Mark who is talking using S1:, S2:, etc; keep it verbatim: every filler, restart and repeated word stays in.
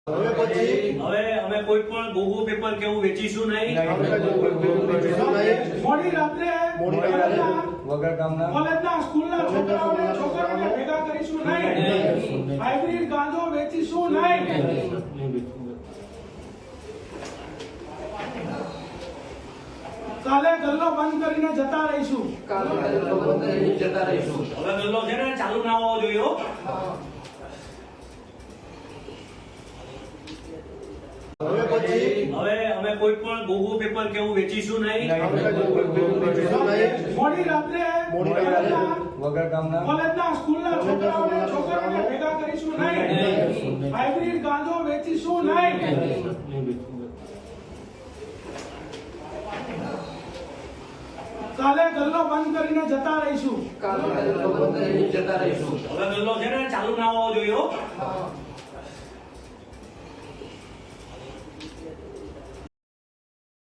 S1: હવે પછી
S2: હવે અમે કોઈ પણ ગોગો પેપર કેવું વેચીશું નહીં.
S3: મોડી રાત્રે
S1: મોડી રાત્રે
S4: વગર કામના
S3: કોલેજના સ્કૂલના છોકરાઓને છોકરાઓને ભેગા કરીશું નહીં. હાઇબ્રિડ ગાંજો વેચીશું નહીં. કાલે ગલ્લો બંધ કરીને જતા રહીશું.
S2: હવે ગલ્લો છે ને ચાલુ ના હોવો જોઈએ હો.
S1: હવે પછી
S2: હવે અમે કોઈ પણ ગોગો પેપર કેવું વેચીશું નહીં.
S3: મોડી રાત્રે
S1: મોડી રાત્રે
S4: વગર કામના
S3: કોલેજના સ્કૂલના છોકરાઓને છોકરાઓને ભેગા કરીશું નહીં. હાઇબ્રિડ ગાંજો વેચીશું નહીં. કાલે ગલ્લો બંધ કરીને જતા રહીશું.
S2: હવે ગલ્લો છે ને ચાલુ ના હોવો જોઈએ હો.